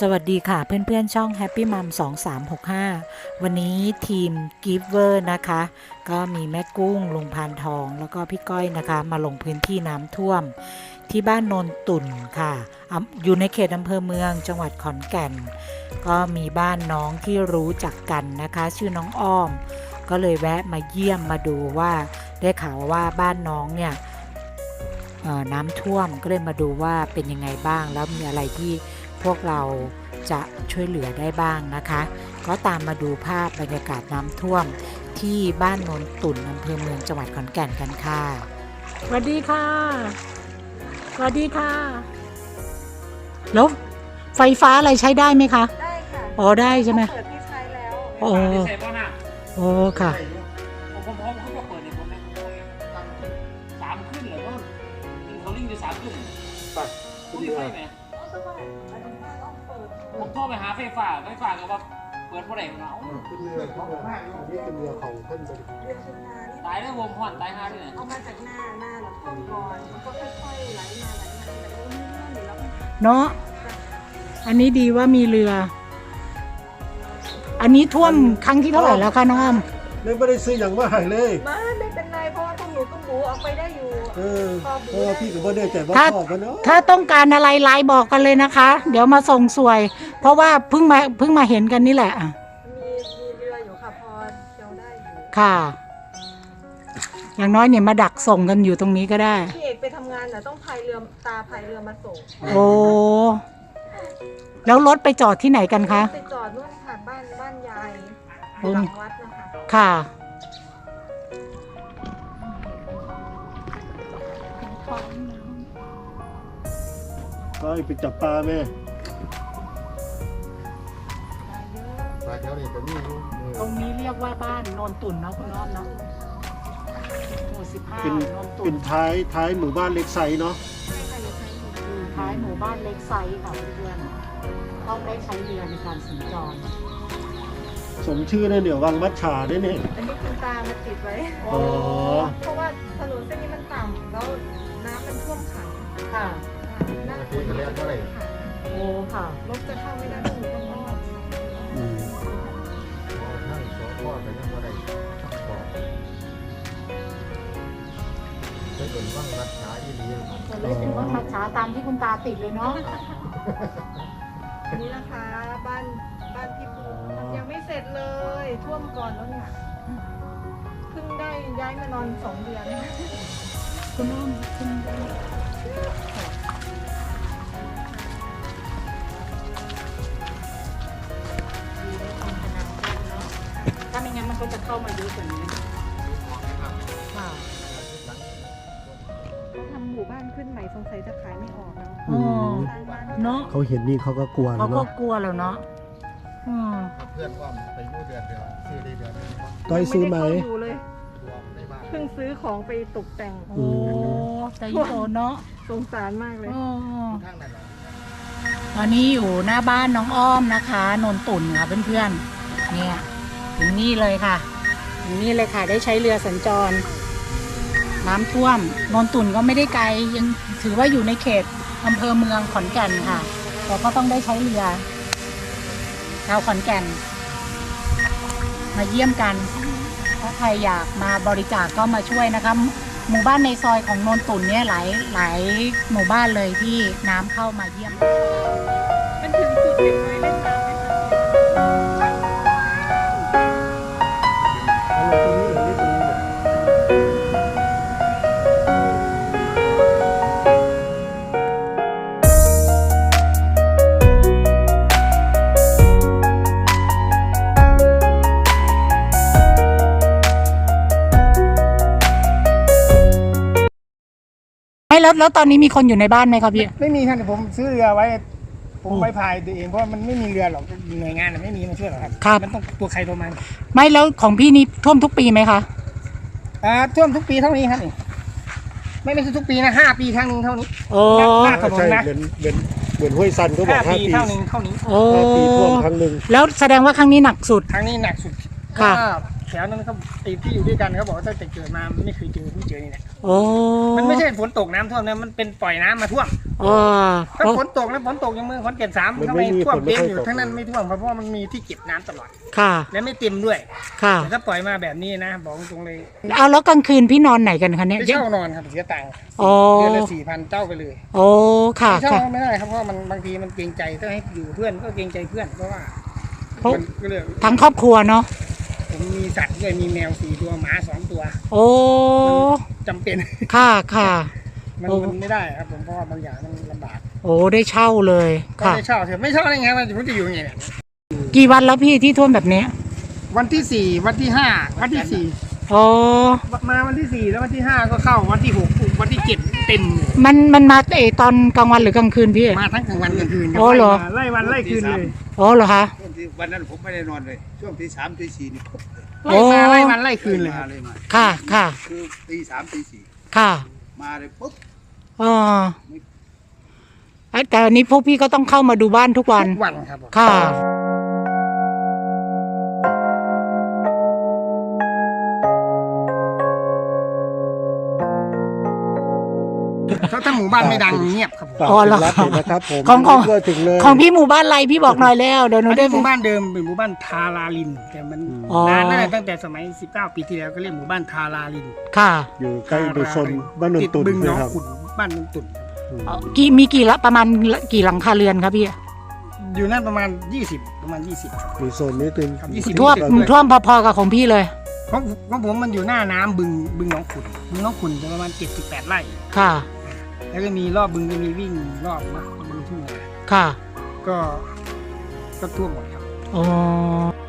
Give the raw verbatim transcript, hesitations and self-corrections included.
สวัสดีค่ะเพื่อนๆช่อง Happy Mom สองสามหกห้า วันนี้ทีม Giver นะคะก็มีแม่กุ้งลุงพานทองแล้วก็พี่ก้อยนะคะมาลงพื้นที่น้ำท่วมที่บ้านโนนตุ่นค่ะอยู่ในเขตอำเภอเมืองจังหวัดขอนแก่นก็มีบ้านน้องที่รู้จักกันนะคะชื่อน้องอ้อมก็เลยแวะมาเยี่ยมมาดูว่าได้ข่าวว่าบ้านน้องเนี่ยน้ำท่วมก็เลยมาดูว่าเป็นยังไงบ้างแล้วมีอะไรที่พวกเราจะช่วยเหลือได้บ้างนะคะก็ตามมาดูภาพบรรยากาศน้ำท่วมที่บ้านโนนตุ่นอำเภอเมืองจังหวัดขอนแก่นกันค่ะสวัสดีค่ะสวัสดีค่ะแล้วไฟฟ้าอะไรใช้ได้ไหมคะได้ค่ะอ๋อได้ใช่ไหมเปิดที่ใช้แล้วโอ้โอ้ค่ะผมพร้อมเขาจะเปิดในผมนะสามขึ้นเลยว่าเขาลิงอยู่สามขึ้นปัดคุณดีไฟไหมผมโทรไปหาไฟฟ้าไฟฟ้าก็ว่าเปิดเมื่อไหร่เนาะขึ้นเรือเขาบอกว่านี่เป็นเรือของเพิ่นไปเรือชนานี่ตายได้วงห่อนตายห้าที่ไหนเอามาจากหน้าหน้าแล้วท่วมก่อนมันก็ค่อยๆไหลมาไหลมาแต่ก็ไม่เลื่อนแล้วเนาะอันนี้ดีว่ามีเรืออันนี้ท่วมครั้งที่เท่าไหร่แล้วคะน้องอ้อมไม่ได้ซื้ออย่างว่าหายเลยมาไม่เป็นไรเพราะว่าพวกหนูก็หมูออกไปได้อยู่เออเพราะว่าพี่กับพ่อเนี่ยแต่ว่าพ่อกันเนาะถ้าต้องการอะไรไลน์บอกกันเลยนะคะเดี๋ยวมาส่งสวยเพราะว่าเพิ่งมาเพิ่งมาเห็นกันนี่แหละมีมีเรืออยู่ค่ะพอเที่ยวได้อยู่ค่ะอย่างน้อยเนี่ยมาดักส่งกันอยู่ตรงนี้ก็ได้พี่เอกไปทำงานน่ะต้องพายเรือตาพายเรือมาส่งโอ้แล้วรถไปจอดที่ไหนกันคะไปจอดนู่นค่ะบ้านบ้านยายหลังวัดนะคะค่ะก็ไปจับปลาแม่ปลาแถวนี้ก็มีตรงนี้เรียกว่าบ้านโนนตุ่นเนาะคุณน้องเนาะหมู่สิบห้าเป็นโนนตุ่นเป็นท้ายท้ายหมู่บ้านเล็กไซเนาะท้ายหมู่บ้านเล็กไซค่ะเพื่อนๆต้องได้ใช้เรือในการสัญจรสมชื่อเลยเดี๋ยววังมัดฉาด้วยเนี่ยอันนี้คุณตามาติดไว้อ๋อเพราะว่าถนนเส้นนี้มันต่ำแล้วน้ำมันท่วมขังค่ะหน้าฝนจะท่วมขังโอ้ค่ะรถจะเข้าไม่ได้ต้องต้องอ้อมอืมทั้งสองพ่อแต่ยังไม่ได้บอกจะเป็นว่างรักษาอีหลีจะเลยเป็นว่ามัดฉาตามที่คุณตาติดเลยเนาะอันนี้นะคะบ้านบ้านพี่ปูยังไม่เสร็จเลยท่วมก่อนแล้วเนี่ยเพิ่งได้ย้ายมานอนสองเดือนคุณน้องคุณถ้าไม่งั้นมันก็จะเข้ามาเยอะกว่านี้ค่ะเขาทำหมู่บ้านขึ้นใหม่สงสัยจะขายไม่ออกแล้วเนาะเขาเห็นนี่เขาก็กลัวเขาก็กลัวแล้วเนาะเพื่อนว่าไปยู่เดือนเดียวซื้อได้เดือนนึงก้อยซื้อไหมเพิ่งซื้อของไปตกแต่งโอ้ใจโตเนาะสงสารมากเลยตอนนี้อยู่หน้าบ้านน้องอ้อมนะคะนนตุ่นค่ะเพื่อนๆเนี่ยถึงนี่เลยค่ะถึงนี่เลยค่ะได้ใช้เรือสัญจรน้ำท่วมนนตุ่นก็ไม่ได้ไกลยังถือว่าอยู่ในเขตอำเภอเมืองขอนแก่นค่ะแต่ก็ต้องได้ใช้เรือชาวขอนแก่นมาเยี่ยมกันถ้าใครอยากมาบริจาคก็มาช่วยนะคะหมู่บ้านในซอยของโนนตุ่นเนี่ยหลายหลายหมู่บ้านเลยที่น้ำเข้ามาเยี่ยมมันถึงจุดเด็กน้อยเล่นน้ำไหมแล้วแล้วตอนนี้มีคนอยู่ในบ้านไหมครับพี่ไม่มีครับผมซื้อเรือไว้ผมไว้พายตัวเองเพราะมันไม่มีเรือหรอกหน่วยงานไม่มีมาช่วยหรอกครับมันต้องตัวใครตัวมันไม่แล้วของพี่นี่ท่วมทุกปีไหมคะอ่าท่วมทุกปีเท่านี้ครับนี่ไม่ไม่ใช่ทุกปีนะห้าปีครั้งนึงเท่านี้โอ้หน้าถนนนะเหมือนเหมือนเหมือนห้วยซันก็บอกห้าปีเท่านึงเท่านี้โอ้ปีท่วมครั้งหนึ่งแล้วแสดงว่าครั้งนี้หนักสุดครั้งนี้หนักสุดค่ะแถวนั้นเขาตีที่อยู่ด้วยกันเขาบอกว่าตั้งแต่เกิดมาไม่เคยเจอเพิ่งเจอนี่แหละโอ้มันไม่ใช่ฝนตกน้ำท่วมนะมันเป็นปล่อยน้ำมาท่วมอ๋อถ้าฝนตกแล้วฝนตกอย่างเมืองขอนแก่นสามทำไมท่วมเต็มอยู่ทั้งนั้นไม่ท่วมเพราะว่ามันมีที่เก็บน้ำตลอดค่ะและไม่เต็มด้วยค่ะแต่ถ้าปล่อยมาแบบนี้นะบอกตรงเลยเอาแล้วกลางคืนพี่นอนไหนกันคะเนี่ยไปเช่านอนครับเสียตังค์อ๋อเดือนละสี่พันเจ้าไปเลยโอ้ค่ะไม่เช่าค่ะไม่ได้ครับเพราะว่ามันบางทีมันเกรงใจถ้าให้อยู่เพื่อนก็เกรงใจเพื่อนเพราะว่าเพราะมันก็เลยทั้งครอบครัวเนาะผมมีสัตว์ด้วยมีแมวสี่ตัวหมาสองตัวโอ้จำเป็นค่ะค่ะมันโอ้มันไม่ได้ครับผมเพราะว่าบางอย่างมันลำบากโอ้ได้เช่าเลยก็ค่ะได้เช่าเถอะไม่เช่าได้ไงมันผมจะอยู่ยังไงเนี่ยกี่วันแล้วพี่ที่ท่วมแบบนี้วันที่สี่วันที่ห้าวันที่สี่โอ้มาวันที่สี่แล้ววันที่ห้าก็เข้าวันที่หกวันที่เจ็ดเต็มเลยมันมันมาเออตอนกลางวันหรือกลางคืนพี่มาทั้งกลางวันกลางคืนโอ้เหรอไล่วันไล่คืนเลยโอ้เหรอคะช่วงที่วันนั้นผมไม่ได้นอนเลย ช่วงที่สามที่สี่นี่ปุ๊บเลยโอ้ไล่มาไล่วันไล่คืนเลยคมารับเลยมาค่ะค่ะคือตีสามตีสี่ค่ะมาเลยปุ๊บอ๋อเอ้ยแต่อันนี้พวกพี่ก็ต้องเข้ามาดูบ้านทุกวันทุกวันครับผมค่ะถ้าถ้าหมู่บ้านไม่ดังเงียบครับผมฝากอ๋อเหรอถึงรัฐเลยนะครับผมของของก็ถึงเลยของพี่หมู่บ้านอะไรพี่บอกหน่อยแล้วเดี๋ยวหนูอันได้นี้หมู่บ้านเดิมเป็นหมู่บ้านทาราลินแต่มันอ๋อนานแล้วตั้งแต่สมัยสิบเก้าปีที่แล้วก็เรียกหมู่บ้านทาราลินค่ะอยู่ใกล้ดุชนบ้านนนติดตุนบึงหนองนะครับขุนบ้านนนตุนเอ่อกี่มีกี่ละประมาณกี่หลังคาเรือนครับพี่อยู่นั่นประมาณยี่สิบประมาณยี่สิบครับอยู่โซนนี้ตึงครับยี่สิบท่วมท่วมพอๆกับของพี่เลยของของผมมันอยู่หน้าน้ำบึงบึงหนองขุนบึงหนองขุนจะประมาณเจ็ดสิบแปดไร่ค่ะแล้วก็มีรอบบึงก็มีวิ่งรอบนะบึงทุ่งนาค่ะก็ก็ท่วมหมดครับอ๋อ